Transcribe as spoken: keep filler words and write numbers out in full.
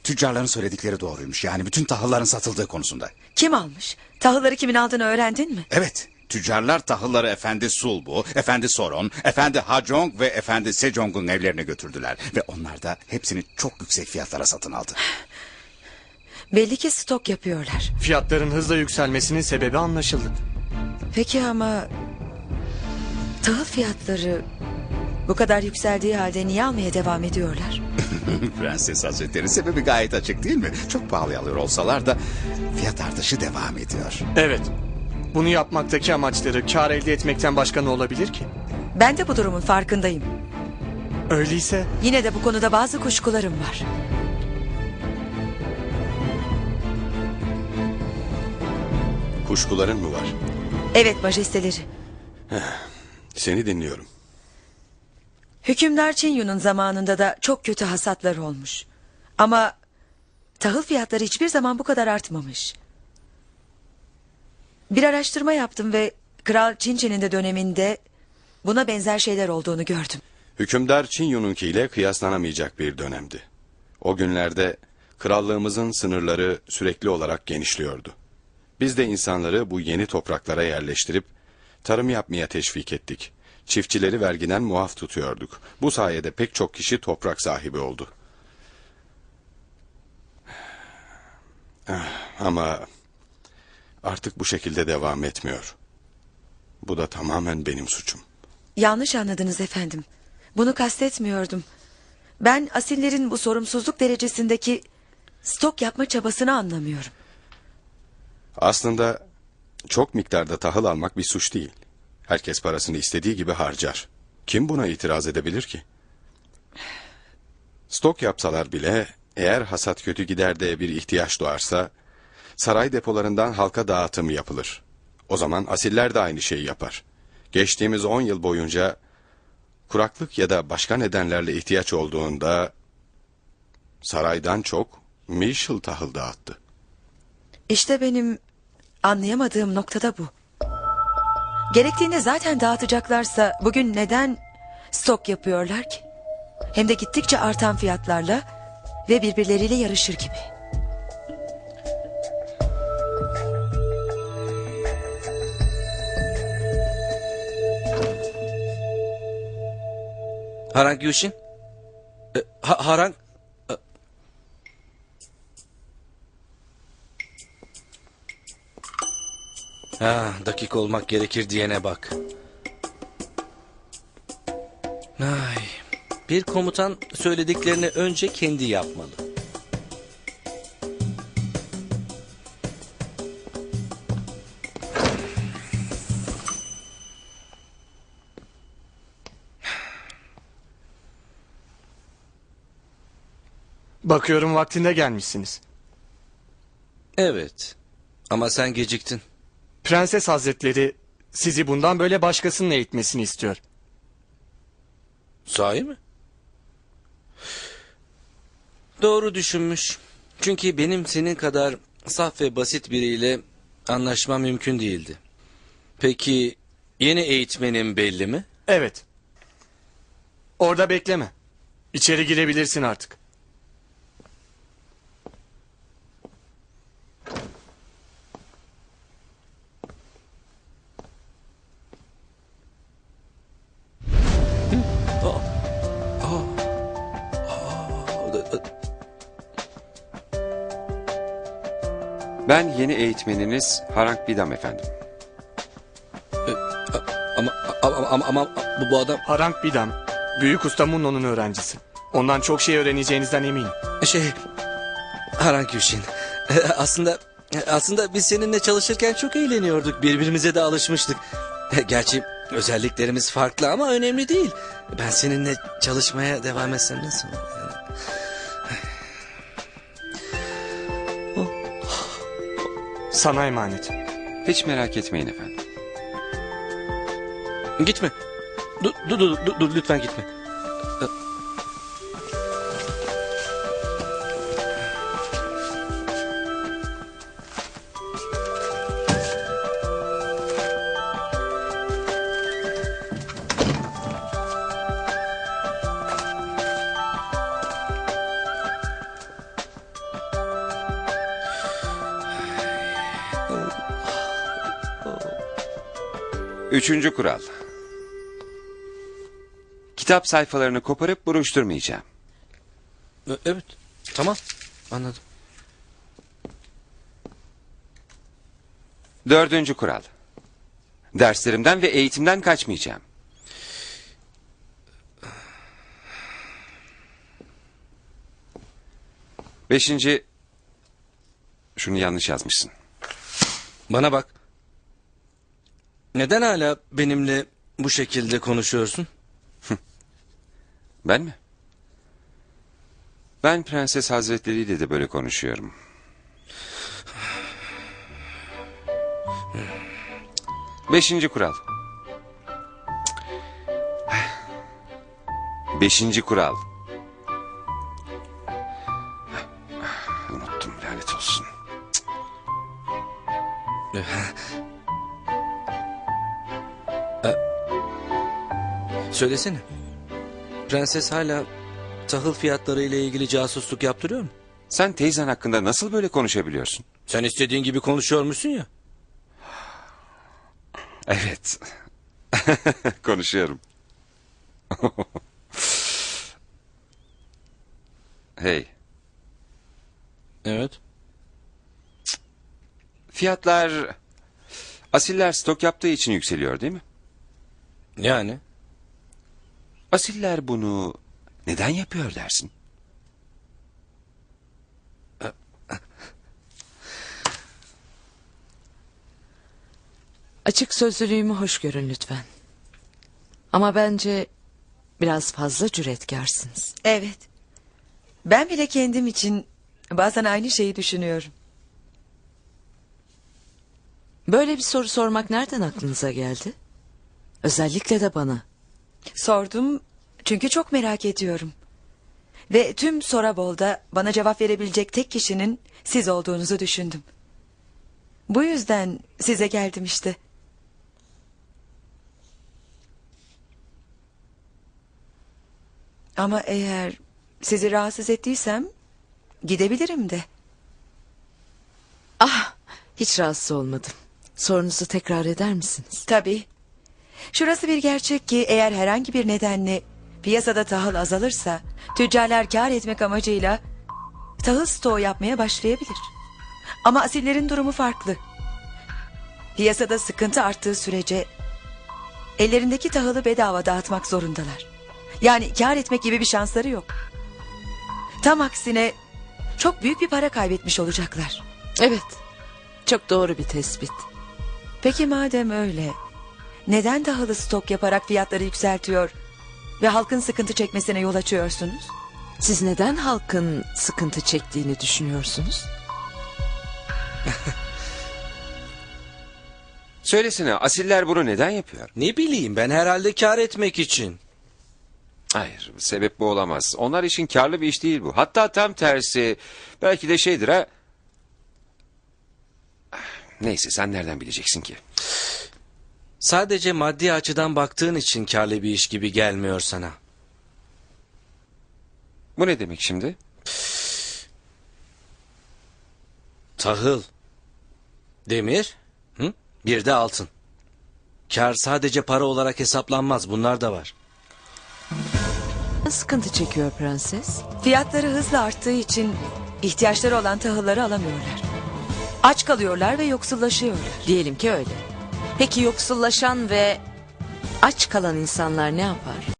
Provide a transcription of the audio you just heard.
tüccarların söyledikleri doğruymuş. Yani bütün tahılların satıldığı konusunda. Kim almış? Tahılları kimin aldığını öğrendin mi? Evet. Tüccarlar tahılları Efendi Sulbu, Efendi Soron, Efendi Hajong ve Efendi Sejong'un evlerine götürdüler. Ve onlar da hepsini çok yüksek fiyatlara satın aldı. Belli ki stok yapıyorlar. Fiyatların hızla yükselmesinin sebebi anlaşıldı. Peki ama tahıl fiyatları bu kadar yükseldiği halde niye almaya devam ediyorlar? Prenses Hazretleri, sebebi gayet açık değil mi? Çok pahalı alıyor olsalar da fiyat artışı devam ediyor. Evet. Bunu yapmaktaki amaçları kar elde etmekten başka ne olabilir ki? Ben de bu durumun farkındayım. Öyleyse Yine de bu konuda bazı kuşkularım var. Kuşkuların mı var? Evet majesteleri. Seni dinliyorum. Hükümdar Çinyu'nun zamanında da çok kötü hasatlar olmuş. Ama tahıl fiyatları hiçbir zaman bu kadar artmamış. Bir araştırma yaptım ve Kral Çinçe'nin de döneminde buna benzer şeyler olduğunu gördüm. Hükümdar Çinyu'nunkiyle kıyaslanamayacak bir dönemdi. O günlerde krallığımızın sınırları sürekli olarak genişliyordu. Biz de insanları bu yeni topraklara yerleştirip tarım yapmaya teşvik ettik. Çiftçileri vergiden muaf tutuyorduk. Bu sayede pek çok kişi toprak sahibi oldu. Ama artık bu şekilde devam etmiyor. Bu da tamamen benim suçum. Yanlış anladınız efendim. Bunu kastetmiyordum. Ben asillerin bu sorumsuzluk derecesindeki stok yapma çabasını anlamıyorum. Aslında çok miktarda tahıl almak bir suç değil. Herkes parasını istediği gibi harcar. Kim buna itiraz edebilir ki? Stok yapsalar bile eğer hasat kötü gider de bir ihtiyaç doğarsa saray depolarından halka dağıtım yapılır. O zaman asiller de aynı şeyi yapar. Geçtiğimiz on yıl boyunca kuraklık ya da başka nedenlerle ihtiyaç olduğunda saraydan çok Mişıl tahıl dağıttı. İşte benim anlayamadığım noktada bu. Gerektiğinde zaten dağıtacaklarsa bugün neden stok yapıyorlar ki? Hem de gittikçe artan fiyatlarla ve birbirleriyle yarışır gibi. Harang Yushin? E, ha, Harang? E... Ha, dakik olmak gerekir diyene bak. Ay, bir komutan söylediklerini önce kendi yapmalı. bakıyorum vaktinde gelmişsiniz. Evet, ama sen geciktin. Prenses Hazretleri sizi bundan böyle başkasının eğitmesini istiyor. Sahi mi? Doğru düşünmüş. Çünkü benim senin kadar saf ve basit biriyle anlaşmam mümkün değildi. Peki yeni eğitmenin belli mi? Evet. Orada bekleme. İçeri girebilirsin artık. Ben yeni eğitmeniniz Harang Bidam efendim. Ama ama ama, ama bu, bu adam... Harang Bidam, Büyük Usta Munno'nun öğrencisi. Ondan çok şey öğreneceğinizden eminim. Şey, Harang Yushin, aslında aslında biz seninle çalışırken çok eğleniyorduk. Birbirimize de alışmıştık. Gerçi özelliklerimiz farklı ama önemli değil. Ben seninle çalışmaya devam etsem nasıl olur? Sana emanet. Hiç merak etmeyin efendim. Gitme. Dur, dur, dur, dur, dur lütfen gitme. Üçüncü kural. Kitap sayfalarını koparıp buruşturmayacağım. E, Evet. Tamam. Anladım. Dördüncü kural. Derslerimden ve eğitimden kaçmayacağım. Beşinci... Şunu yanlış yazmışsın. Bana bak. Neden hala benimle bu şekilde konuşuyorsun? Ben mi? Ben Prenses Hazretleri ile de böyle konuşuyorum. Beşinci kural. Beşinci kural. Unuttum, lanet olsun. Söylesene. Prenses hala tahıl fiyatları ile ilgili casusluk yaptırıyor mu? Sen teyzen hakkında nasıl böyle konuşabiliyorsun? Sen istediğin gibi konuşuyormuşsun ya. Evet. Konuşuyorum. Hey, Evet. fiyatlar asiller stok yaptığı için yükseliyor değil mi? Yani. Asiller bunu neden yapıyor dersin? Açık sözlülüğümü hoş görün lütfen. Ama bence biraz fazla cüretkarsınız. Evet. Ben bile kendim için bazen aynı şeyi düşünüyorum. Böyle bir soru sormak nereden aklınıza geldi? Özellikle de bana. Sordum çünkü çok merak ediyorum. Ve tüm Sorabol'da bana cevap verebilecek tek kişinin siz olduğunuzu düşündüm. Bu yüzden size geldim işte. Ama eğer sizi rahatsız ettiysem gidebilirim de. Ah, hiç rahatsız olmadım. Sorunuzu tekrar eder misiniz? Tabii. Şurası bir gerçek ki eğer herhangi bir nedenle piyasada tahıl azalırsa tüccarlar kâr etmek amacıyla tahıl stoğu yapmaya başlayabilir. Ama asillerin durumu farklı. Piyasada sıkıntı arttığı sürece ellerindeki tahılı bedava dağıtmak zorundalar. Yani kâr etmek gibi bir şansları yok. Tam aksine çok büyük bir para kaybetmiş olacaklar. Evet, çok doğru bir tespit. Peki madem öyle, neden tahılı stok yaparak fiyatları yükseltiyor ve halkın sıkıntı çekmesine yol açıyorsunuz? Siz neden halkın sıkıntı çektiğini düşünüyorsunuz? Söylesene, asiller bunu neden yapıyor? Ne bileyim, ben herhalde kar etmek için. Hayır, sebep bu olamaz. Onlar için karlı bir iş değil bu. Hatta tam tersi. Belki de şeydir ha. Neyse, sen nereden bileceksin ki? Sadece maddi açıdan baktığın için karlı bir iş gibi gelmiyor sana. Bu ne demek şimdi? Tahıl, demir, hı? Bir de altın. Kar sadece para olarak hesaplanmaz, bunlar da var. Sıkıntı çekiyor prenses. Fiyatları hızla arttığı için ihtiyaçları olan tahılları alamıyorlar. Aç kalıyorlar ve yoksullaşıyorlar. Diyelim ki öyle. Peki yoksullaşan ve aç kalan insanlar ne yapar?